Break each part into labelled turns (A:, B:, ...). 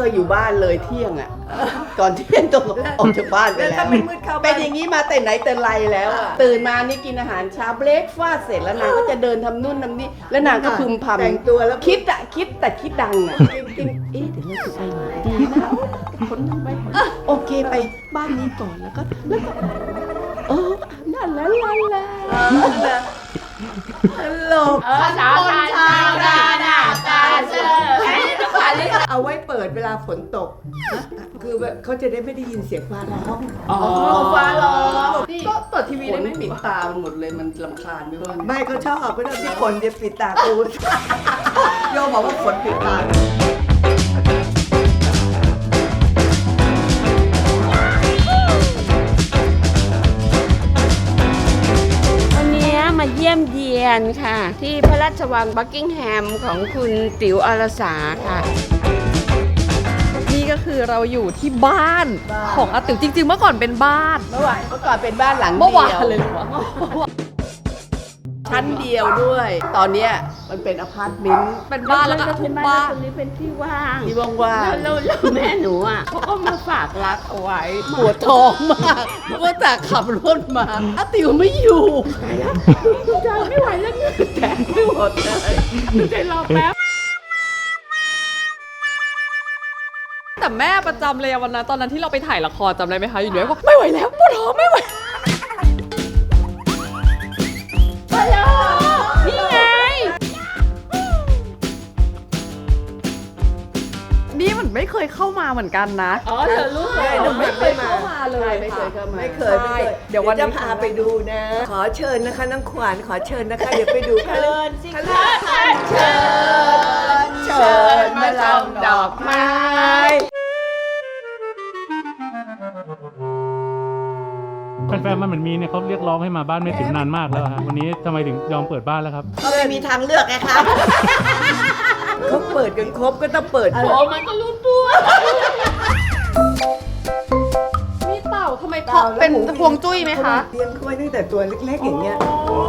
A: เคยอยู่บ้านเลยเที่ยงอ่ะก่อนเที่ยงต้องออกจากบ้านไปแล้วเป็นอย่างนี้มาแต่ไหนแต่ไรแล้วอ่ะตื่นมานี่กินอาหารเช้าเบรกฟาสต์เสร็จแล้วนางก็จะเดินทำนู่นทำนี่แล้วนางก็พึมพำแต่งตัวแล้วคิดแต่คิดดังอ่ะกินเดี๋ยวเราจะไปไหนดีนะคนนั่งไปโอเคไปบ้านนี้ก่อนแล้วก็นั่นแล้วตลก
B: ชาวนาตาเชื่อ
C: เอาไว้เปิดเวลาฝนตกคือเขาจะได้ไม่ได้ยินเสียงฟ้าร้อง
A: ฟ้าร้องก็เปิดทีวีได้ไม่ปิดตาหมดเลยมันรำคาญไม่ว่า
C: ไม่เขาชอบไม่ต้องที่ฝนจะปิดตากูโยบอกว่าฝนปิดตา
B: มาเยี่ยมเยียนค่ะที่พระราชวังบักกิงแฮมของคุณติ๋วอรสาค่ะ
D: นี่ก็คือเราอยู่ที่บ้านของอาติ๋วจริงๆเมื่อก่อนเป็นบ้าน
A: เมื่อก่อนเป็นบ้านหลังเดียว
D: เมื่อวานเลยเหรอ
A: ชั้นเดียวด้วยตอนนี้มันเป็นอพาร์ตเมนต์
D: เป็นบ้านแล้วก็ทุบบ้าน
B: ตรงนี้เป็นที่ว่าง
A: ว่าง
B: แล้วแม่หนูอ่ะเขาก็มาฝากรักเอาไว้
A: ปวดท้องมากว่าแต่ขับรถมาอาติ๋วไม่อยู่
B: ใจไม่ไหวแล้วเนี่ย
A: แต่ไม่หมดเลย
B: ใจรอแป๊บ
D: แต่แม่ประจำเลยวันนั้นตอนนั้นที่เราไปถ่ายละครจำได้ไหมคะอยู่ด้วยว่าไม่ไหวแล้วปวดท้องไม่ไหว
B: นี่ไง
D: นี่มันไม่เคยเข้ามาเหมือนกันนะ
B: เธอรู้เลย
D: หนูไม่เคยเข้ามาเลย
A: ไม่เคยเข้ามา
C: ไม่เคยเดี๋ยววันจะพาไปดูนะขอเชิญนะคะน้องขวัญขอเชิญนะคะเดี๋ยวไปดู
B: เชิญสิคะเชิญมาชมดอกไม้
E: แฟนๆมันเหมือนมีเนี่ยเขาเรียกร้องให้มาบ้านไม่ถึงนานมากแล้วครับวันนี้ทำไมถึงยอมเปิดบ้านแล้วครับ
A: ก็ไม่มีทางเลือกไงครับ
C: เขาเปิดกันครบก็ต้องเปิด
B: มันก็รู้ตัว
D: มีเต่าทำไมเพราะเป็นพวงจุ้ยไหมคะ
C: เลี้ยงเขาไว้ตั้งแต่ตัวเล็กๆอย่างเงี้ย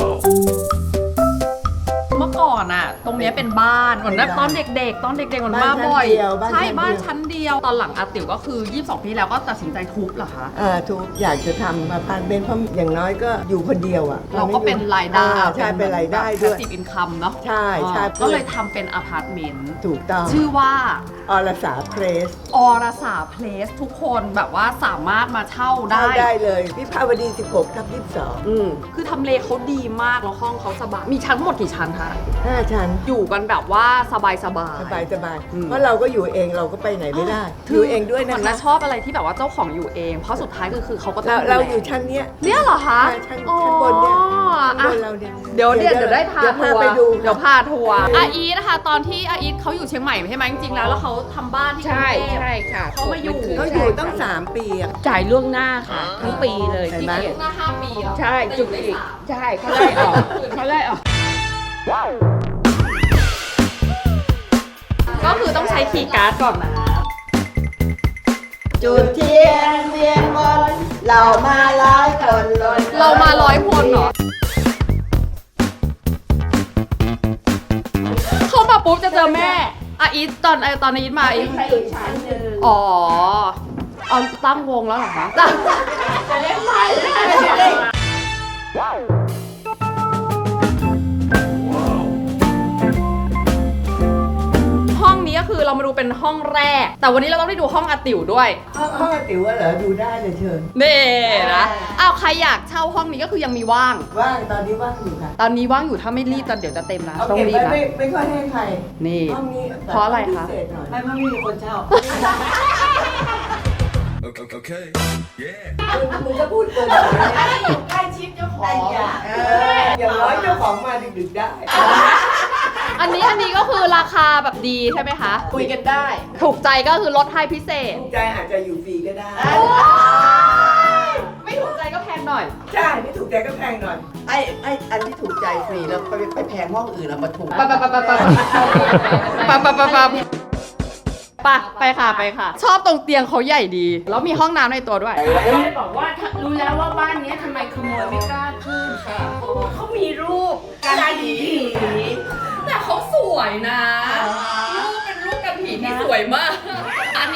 D: เมื่อก่อนอะตรงนี้เป็นบ้านเหมือนตอนเด็กๆเหมือนมาบ่อยใช่บ้านชั้นเดียวตอนหลังอาติ๋วก็คือ22 ปีแล้วก็ตัดสินใจทุบเหรอคะ
C: ทุบอยากจะทำมาพานเบนเพราะอย่างน้อยก็อยู่คนเดียวอะ
D: เราก็เป็นรายได้
C: ใช่เป็นรายได้ด้วย
D: 10 อินคัมเนาะ
C: ใช่
D: ก็เลยทำเป็นอพาร์ตเมนต์
C: ถูกต้อง
D: ชื่อว่า
C: อรสาเพลส
D: ทุกคนแบบว่าสามารถมาเช่าได้
C: เลยวิภาวดี16/22
D: คือทำเลเขาดีมากแล้วห้องเขาสบายมีชั้นหมดกี่ชั้นคะ
C: 5 ชั้น
D: อยู่กันแบบว่าสบาย
C: เพราะเราก็อยู่เองเราก็ไปไหนไม่ได้อยู่เองด้วยนะคะ
D: ชอบอะไรที่แบบว่าเจ้าของอยู่เองเพราะสุดท้ายคือเขาก็ต้อง
C: เราอยู่ชั้นเนี้ย
D: เหรอคะ
C: ชั้นบนเนี่ยบนเราเนี่ย
D: เดี๋ยวได้พาทัวร์เดี๋ยวพาทัวร์อาอีทนะคะตอนที่อาอีทเขาอยู่เชียงใหม่ใช่ไหมจริงๆแล้วเขาทำบ้านที่กรุงเทพ
B: ใช่ค่ะ
D: เขามาอยู่
C: ตั้ง3 ปี
B: จ่ายล่วงหน้าค่ะทั้งปีเลย
D: ที่เกียรติหน้า5 ปี
B: ใช่จุดอีกใช่เขาไล่ออก
D: ก็คือต้องใช้คีย์การ์ดก่อนนะ
A: จุดเทียนเวียนวนเรามา100 คน
D: เรามา100 คนเหรอเข้ามาปุ๊บจะเจอแม่อาอีทตอนอาอีทมาอีท
B: อีกชั้นนึง
D: เอาตั้งวงแล้วเหรอคะ
B: จะเล่นไป
D: ห้องนี้ก็คือเรามาดูเป็นห้องแรกแต่วันนี้เราต้องได้ดูห้องอาติ๋วด้วย
C: ห้องอาติ๋วเหรอดูได้เลยเชิญ
D: นี่นะใครอยากเช่าห้องนี้ก็คือยังมีว่าง
C: ตอนนี้ว่างอยู่ค่ะ
D: ตอนนี้ว่างอยู่ถ้าไม่รีบตอนเดี๋ยวจะเต็มนะต้องรีบนะ
C: ไม่ค่อยให้ใคร
D: นี่เพราะอะไรคะ
C: ไม่มีคนเช่า
E: โอเค
C: มึงจะพูดเกิน
B: ใกล้ชิดเจ้าของ
C: อย่างน้อยเจ้าของมาดึกๆได้
D: อันนี้ก็คือราคาแบบดีใช่ไหมคะ
A: คุยกันได้
D: ถูกใจก็คือลดให้พิเศษ
C: ถูกใจอาจจะอยู่ฟรีก็ได้
D: ไม่ถูกใจก็แพงหน่อย
C: ใช่ไม่ถูกใจก็แพงหน่อย
A: อันที่ถูกใจฟรีแล้วไปแพงห้องอื่นแล้วมาถูก
D: ไปค่ะชอบตรงเตียงเขาใหญ่ดีแล้วมีห้องน้ำในตัวด้วย
B: ได้บอกว่ารู้แล้วว่าบ้านนี้ทำไมขโมยไม่กล้าขึ้นค่ะเพราะว่าเขามีรูปกันผี
D: แต่เขาสวยนะรูปเป็นรูปกันผีที่สวยมากอัน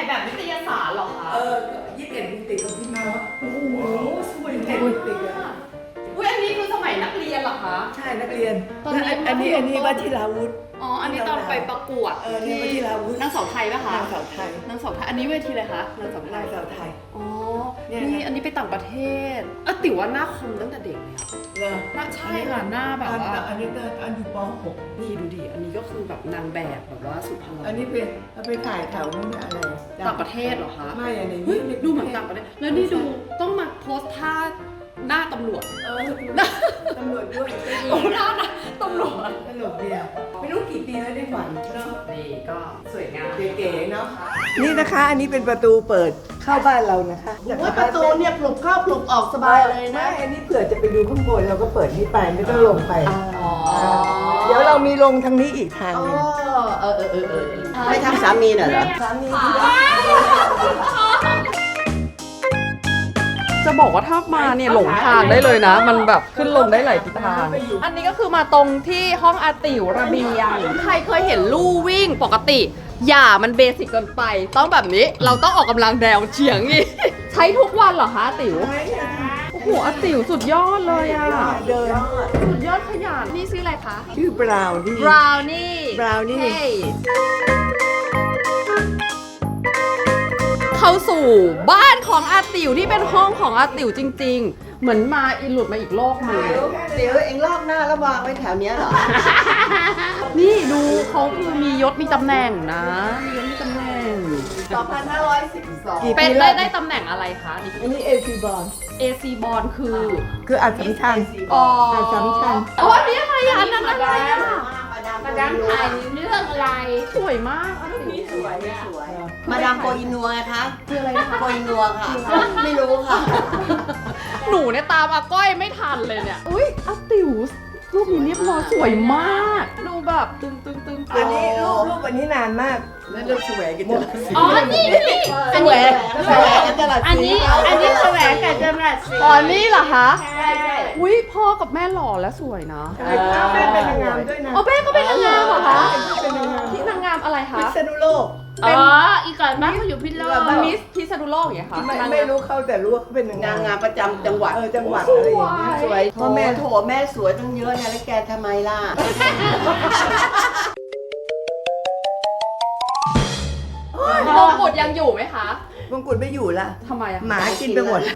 D: แบบนิตยสารเหรอคะ
C: 21ปีติดกับพี่มาว่าโอ้โหสวยเด็ดติดอะ
D: อุ้ยอันนี้คือสมัยนักเรียนเหรอคะ
C: ใช่นักเรียน
D: ตอนนี้
C: อันนี้วชิราวุธ
D: อ๋อ อันนี้ตอนไปประกวด
C: นี่วชิราวุธ
D: นางสาวไทยป่ะคะ
C: นางสาวไทย
D: นางสาวไทย อันนี้เวทีอะไรคะนางสาวไท
C: นาย งสาวไทย
D: อ๋อ
C: เนี่ย
D: นี่อันนี้ไปต่างประเทศติ๋วว่าหน้าคมตั้งแต่เด็กเลยอะ
C: เหรอ
D: หน้าใช่ค่ะหน้าแบบว่า
C: อันนี้อันอยู่ป .6
D: นี่ดูดิ อันนี้ก็คือแบบนางแบบแบบว่าสุดพลัง
C: อันนี้ไปถ่ายแถวนู้นอะไร
D: ต่างประเทศเหรอคะ
C: ไม่อันนี้
D: เฮ้ยดูเหมือนต่างประเทศ แล้วนี่ดูต้องมาโพสท่าหน้าตำรวจ
C: ตำรวจด้วย
D: โอ้หน้านะตำรวจ
C: ตลกดีอะไม่รู้กี่ปีแล้วได้ฝันเนาะ
D: นี่ก็สวยงาม
C: เก๋ๆเนาะนี่นะคะอันนี้เป็นประตูเปิดเข้าบ้านเรานะคะ
A: ว่าประตูเนี่ยปลุกเข้าปลุกออกสบายเลยนะ
C: ไม่อันนี้เผื่อจะไปดูข้างบนเราก็เปิดนี่ไปไม่ต้องลงไป
D: อ๋อ
C: เดี๋ยวเรามีลงทางนี้อีกทาง
A: อ๋อ
C: หนึง
A: ไม่ทำสามีน่ะเหรอ
C: สามี
D: จะบอกว่าถ้ามาเนี่ยหลงทางได้เลยนะ มันแบบขึ้นลงได้หลายทิศทาง อันนี้ก็คือมาตรงที่ห้องอาติ๋วระเบียงใครเคยเห็นลู่วิ่งปกติ อย่ามันเบสิกเกินไป ต้องแบบนี้เราต้องออกกำลังแนวเฉียงอีก ใช้ทุกวันเหรอคะอาติ๋วโอ้โหอาติ๋วสุดยอดเลยอ่ะ
C: เดิน
D: สุดยอดขยันนี่ชื่ออะไรคะ
C: ชื่อบราวนี่
D: บราวนี่
C: Brownie
D: เข้าสู่บ้านของอาติ๋วที่เป็นห้องของอาติ๋วจริง ๆ เหมือนมาอินหลุดมาอีกโลกหนึง
A: เดี๋ยวเอ็งลอกหน้าแล้ววางไว้แถวเนี้ยเหรอ
D: นี่ดูเขาคือมียศมีตำแหน่งนะมียศมีตำแหน่ง
A: 2512
C: กี่
D: เป็
C: ปี
D: น
C: แล้ว
D: ได้ตำแหน่งอะไรคะนี่
C: อันนี้เอซีบอล
D: AC บอลคือ
C: คืออัดสำชัญ
D: อ๋อ
C: อัดสำชัญ
D: อ๋ออันนี้อะไรอ่ะอันนั้นอะไรอ่ะ
B: มาดามถ่ายเรื่องอะไร
D: สวยมากอาติ๋ว
A: สวยสวย มาดามโกอินัวไงคะ
D: คืออะไรนะคะ
A: โกอินัวค่ะ ไม่รู้ค่ะ
D: หนูเนี่ยตามอาก้อยไม่ทันเลยเนี่ยอุ้ยอาติ๋วรูปนี้เรียบร้อยสวยมากดูแบบตึง
C: อันนี้รูปอันนี้นานมาก
A: นั่นเรื่องแสวงกันจรัสสี
B: อ๋อ นี่นี่
A: แสวงกันจรัสสี
B: อันนี้แสวงกับจำรัดสี
D: อ๋อนี่เหรอคะ
B: ใช่ใช่
D: อุ้ยพ่อกับแม่หล่อและสวยนะ
C: ใช่แม่เป็นนางงามด้วยนะ
D: อ๋อแม่ก็เป็นนางงามเหรอคะ
C: เป็นนางงาม
D: ที่นางงามอะไรคะ
C: พิษณุโลก
B: อ๋อ อีกก่อนบ้านเขาอยู่พิษณุโลก
D: มิสพิษณุโลกอย่างเงี้ยค่ะ
C: ไม่รู้เขาแต่รู้ว่าเขาเป็นนาง
A: นางงามประจำจังหวัด
C: จังหวัดอะไรอย่างเงี้ย
A: สวย
C: พ่อแม่
A: โถแม่สวยตั้งเยอะเนี่ยแล้วแกทำไมล่ะ
D: มงกุฎยังอยู่ไหมคะ
C: มงกุฎไม่อยู่ละ
D: ทำไมอะ
C: หมากินไปหมด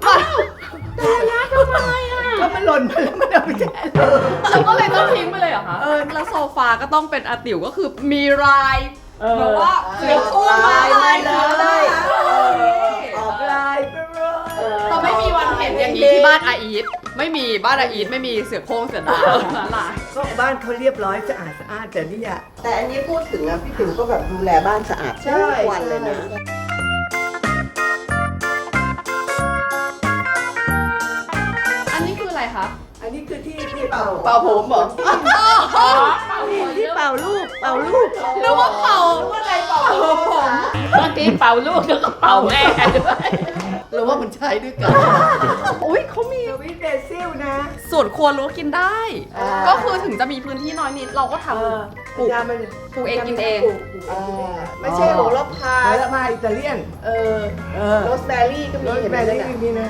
C: ก็มันหล่นมาแล้วมันเอาไปแช่
D: เราก็เลยต้องทิ้งไปเลยเหรอคะแล้วโซฟาก็ต้องเป็นอาติ๋วก็คือมีลายแบบว่าเสือคู่มา
A: ลายเลย
C: ออกลายไปเลย
D: เราไม่มีวันเห็นอย่างนี้ที่บ้านอาอีทไม่มีบ้านอาอีทไม่มีเสือโคร่งเสือดาวลาย
C: ก็บ้านเขาเรียบร้อยสะอาดแต่นี่อะ
A: แต่อันนี้พูดถึงนะพี่ติ๋วก็แบบดูแลบ้านสะอาดทุกวันเลยนะ
D: อันนี้คืออะไรคะ
C: อันนี้คือที่เป่า
A: เป่าผมเหรอ
C: ที่เป่าลูกเป่าลูก
D: นึกว่าเป่าอะไรเป่าผม
B: บางทีเป่าลูกแล้วก็เป่าแม่ด้วย
A: หรือว่ามันใช้ด้วยกัน
D: อุ้ยเขามี
C: สวิตเบซิลนะ
D: ส่วนครัวรั้วกินได้
C: อ่า
D: ก็คือถึงจะมีพื้นที่น้อยนิดเราก็ทำ ปลูก
C: มัน
D: ปลูกเองกินเอง
C: ปลูกเองกินเอง
A: ไม่ใช่โหระพา
C: แล้วมาอิตาเลียน
A: โรสแบรี่ก็มี
C: รส
A: เห็น
C: แบ
A: ไหม
C: รี่
A: นั่นน่ะ
C: นี่นะ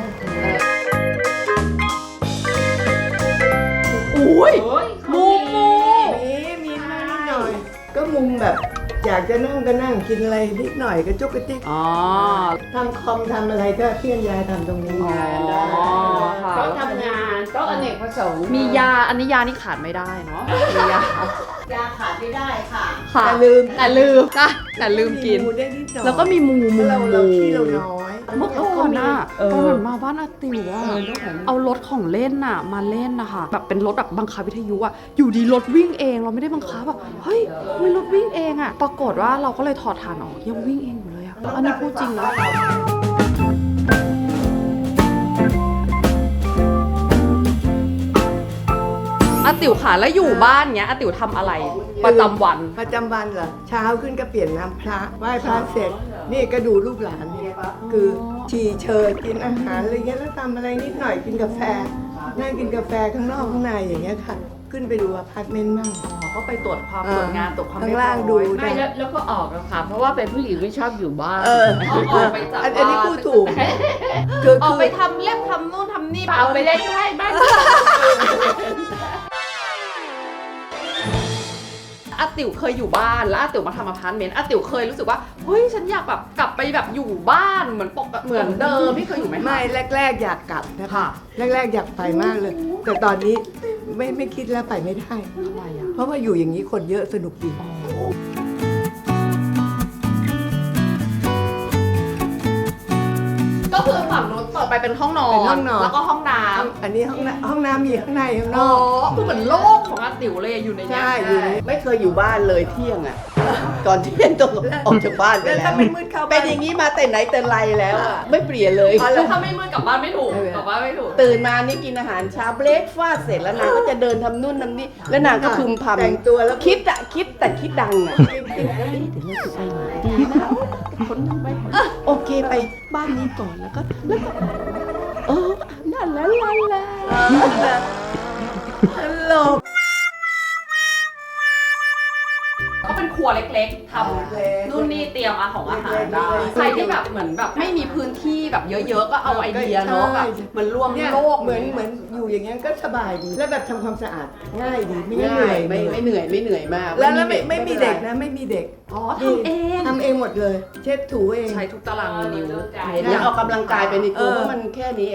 D: อุ้ย
B: โอ้ย
D: มุม
C: มีมานิดหน่อย ก็มุมแบบ อยากจะนั่งก็นั่งกินอะไรนิดหน่อยก็จุกกระจิก
D: อ๋อ
C: ทำคอมทำอะไรก็เคลื่อนย้ายทำตรงนี้
D: อ๋อค่ะ
B: เขาทำงานโต๊ะอเนกประสงค์
D: มียาอันนี้ยานี่ขาดไม่ได้เนาะมียาย
A: าขาดไม่ได้ค่ะ
D: ค่ะ
C: แต่ลืม
D: แต่ลืมนะแต่ลืมกิน
C: ได้นิดหน่อย
D: แล้วก็มีมู
C: เพราะเราขี้เราน้อย
D: เมื่อก่อนน่ะ
C: เออ
D: ตอนเหมือนมาบ้านอาติ๋วอะเอารถของเล่นน่ะมาเล่นนะคะแบบเป็นรถแบบบังคับวิทยุอะอยู่ดีรถวิ่งเองเราไม่ได้บังคับแบบเฮ้ยทำไมรถวิ่งเองอะปรากฏว่าเราก็เลยถอดฐานออกยังวิ่งเองอยู่เลยอะอันนี้พูดจริงนะอาติ๋วค่ะแล้วอยู่บ้านเนี้ยอาติ๋วทำอะไรประจำวัน
C: ประจำวันเหรอเช้าขึ้นก็เปลี่ยนน้ำพระไหว้พระเสร็จ นี่ก็ดูลูกหลานเนี่ยคือฉี่เชิญกินอาหารอะไรเงี้ยแล้วทำอะไรนิดหน่อยกินกาแฟนั่งกินกาแฟข้างนอกข้างในอย่างเงี้ยค่ะขึ้นไปดูอพาร์ตเมนต์มั่ง
D: ก็ไปตรวจความตรวจงานตรวจความ
C: ข้าง
D: เรียบร้
C: ล่าง
D: อย
C: ดู
B: ไม่แล้วก็ออกแล้วค่ะ เพราะว่าเป็นผู้หญิงไม่ชอบอยู่บ้าน
C: เออ
D: ออกไปจาก
C: อันนี้
D: บ้า
C: พูดถูกคือ
D: ออกไปทำเล็บทำนู่นทำนี่
B: เอาไปเล่นไพ่บ้าน
D: อาติ๋วเคยอยู่บ้านแล้วอาติ๋วมาทำอพาร์ตเมนต์อาติ๋วเคยรู้สึกว่าเฮ้ยฉันอยากแบบกลับไปแบบอยู่บ้านเหมือนเหมือนเดิมที่เคยอยู่ไหมคะ
C: ไม่แรกๆอยากกลับนะ
D: ค่ะ
C: คะแรกๆอยากไปมากเลย แต่ตอนนี้ไม่คิดแล้วไปไม่ได้
D: ทำไมอ่ะ
C: เพราะว่าอยู่อย่างนี้คนเยอะสนุกดี
D: ก็คือฝั่งนู้นต่อไปเป็นห้องนอน
C: เป็นห้องนอน
D: แล้วก็ห้องน้
C: อันนี้ห้องน้ำมีข้างในข้าง
D: ำ
C: น
D: อ๋อ
C: อก
D: คือเหมือนโลกของอาติ๋วเลยอยู่ในเนี้ย
C: ใช่อยู่ใน
A: ไม่เคยอยู่บ้านเลยเที่ยงอ่ะ ก่อนเที่ยงต้องออกจากบ้านไป
C: แล้ว
A: แล้
C: ถ้าว ไม่มืดเข้า
A: เป็
C: บ้าน น
A: อย่างนี้มาแต่ไหนแต่ไรแล้วอ่ะไม่เปลี่ยนเลย
D: แล้วถ้าไม่มืดกลับบ้านไม่ถูกกลับบ้านไม่ถูก
A: ตื่นมานี่กินอาหารเช้าเบรกฟาสต์เสร็จแล้วนางก็จะเดินทำนู่นทำนี่แล้วนางก็พึมพำ
C: แต่งตัวแล้ว
A: คิดอะคิดแต่คิดดังอะเดี๋ยวเราจะไปไหนดีนะคนนึงไปโอเคไปบ้านนี้ก่อนแล้วก็นั่นละตลก
D: ก็เป็นครัวเล็กๆทำนู่นนี่เตรียมอาของอาหารได้ใครที่แบบเหมือนแบบไม่มีพื้นที่แบบเยอะๆก็เอาไอเดียเนาะแบบมันรวม
C: เนี่ย
D: โลก
C: เหมือนอยู่อย่างเงี้ยก็สบายดี แล้วแบบทำความสะอาดง่ายดีไม่เห
A: ง่า
C: นื่อย ย
A: ไม่เหนื่อยมาก
C: แล้วไม่มีเด็กนะไม่มีเด็ก
D: อ๋อทำเอง
C: ทำเองหมดเลย เช็ดถูเอง
D: ใช้ทุกตารางนิ้ว
A: เห็นแล้วออกกำลังกายไปในตัวเพราะมันแค่นี้เอง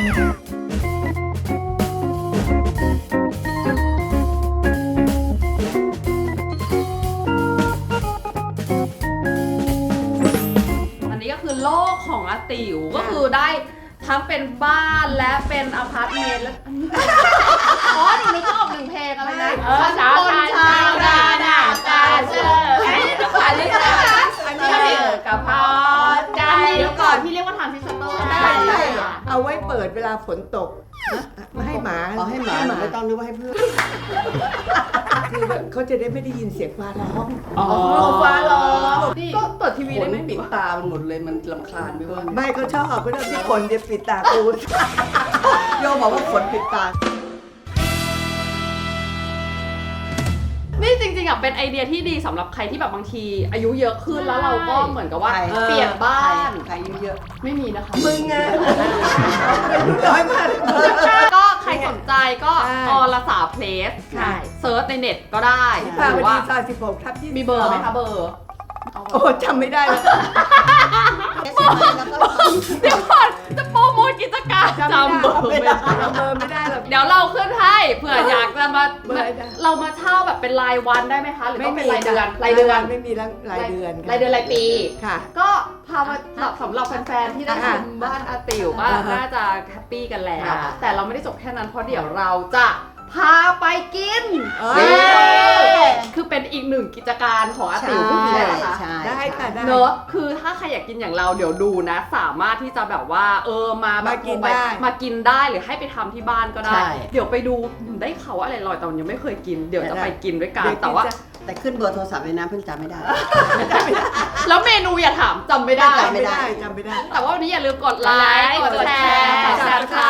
D: อันนี้ก็คือโลกของอาติ๋วก็คือได้ทั้งเป็นบ้านและเป็นอพาร์ตเมนต์แล้วอันนี้อ๋อหนูนึกออกหนึ่งเพลงอะไรนะ
B: ชาวนาหน้าตาเชื่ออันนี้นะคะอันนี้กับพอใจ
D: เดี๋ยวก่อนที่เรียกว่าทรานซิสเตอร์
C: ใช่ใช่เอาไว้เปิดเวลาฝนตกให้หมา
A: ขอให้หมาไม่ต้องนึกว่าให้เพื่อน
C: คือแบบเขาจะได้ไม่ได้ยินเสียงฟ้าร้อง
A: ฟ้าร้อง
D: ก็เปิดทีวี
A: ฝ
D: ได้
A: น
D: ไหม
A: ปิดตามันหมดเลยมันรำคาญไม่ว่า
C: ไม่เขาชอบเขาชอบที่ฝนจะปิดตากู
A: โยบอกว่าฝนปิดตา
D: นี่จริงๆอ่ะเป็นไอเดียที่ดีสำหรับใครที่แบบบางทีอายุเยอะขึ้นแล้วเราก็เหมือนกับว่า
A: ใช่
D: เปลี่ยนบ้าน
A: ใครเยอะ
D: ไม่มีนะคะ
C: มึงไงอายุน้อยมาก
D: ก็ใครสนใจก็
C: ใช่
D: อรสาเพลส
C: ใช่
D: เซิร์ชในเน็ตก็ได้
C: ค่ะ
D: ห
C: วั
D: รื
C: น
D: อว่า
C: ที่ซอย16 ทับ20
D: มีเบอร์ไหมคะเบอร์
C: โอ้จำไม่ได้แล้ว
D: เดี๋ยวก่อนจะโปรโมทกิจการจำเบอร์ไม่ได้
C: จำเบอร์ไม่ได้หรอก
D: เดี๋ยวเราขึ้นให้เผื่ออยากจะมา
C: เบอร์อะไรนะ
D: เรามาเช่าแบบเป็นรายวันได้ไหมคะ หรือต้องเป็นรายเดือน
C: รายเดือนไม่มีรายเดือน
D: รายเดือนรายปี
C: ค่ะ
D: ก็พามาแบบสำหรับแฟนๆที่ได้ชมบ้านอาติ๋วก็
C: อ่าฮะ
D: น่าจะแฮปปี้กันแล้ว
C: ค่ะ
D: แต่เราไม่ได้จบแค่นั้นเพราะเดี๋ยวเราจะพาไปกิน
C: เอ้ย
D: คือเป็นอีกหนึ่งกิจการของอาติ๋วพูดถึงนะคะ
C: ได้ค่ะได้
D: เนอะคือถ้าใครอยากกินอย่างเราเดี๋ยวดูนะ สามารถที่จะแบบว่ามาแบบ
C: มากินได้
D: มากินได้หรือให้ไปทำที่บ้านก็ได้
A: ใช่
D: เดี๋ยวไปดูได้ข่าวว่าอะไรลอยแต่ยังไม่เคยกิน เดี๋ยวจะไปกินด้วยกัน
C: เดี๋ยว
D: แต่ว่า
A: แต่ขึ้นเบอร์โทรศัพท์เลยนะเพิ่งจำไม่ได้
D: แล้วเมนูอย่าถามจำไม่ได้
A: ไม่ได้
C: จำไม่ได้
D: แต่ว่าวันนี้อย่าลืมกดไลค์ กดแชร์
B: กด
D: กด
B: Subscribe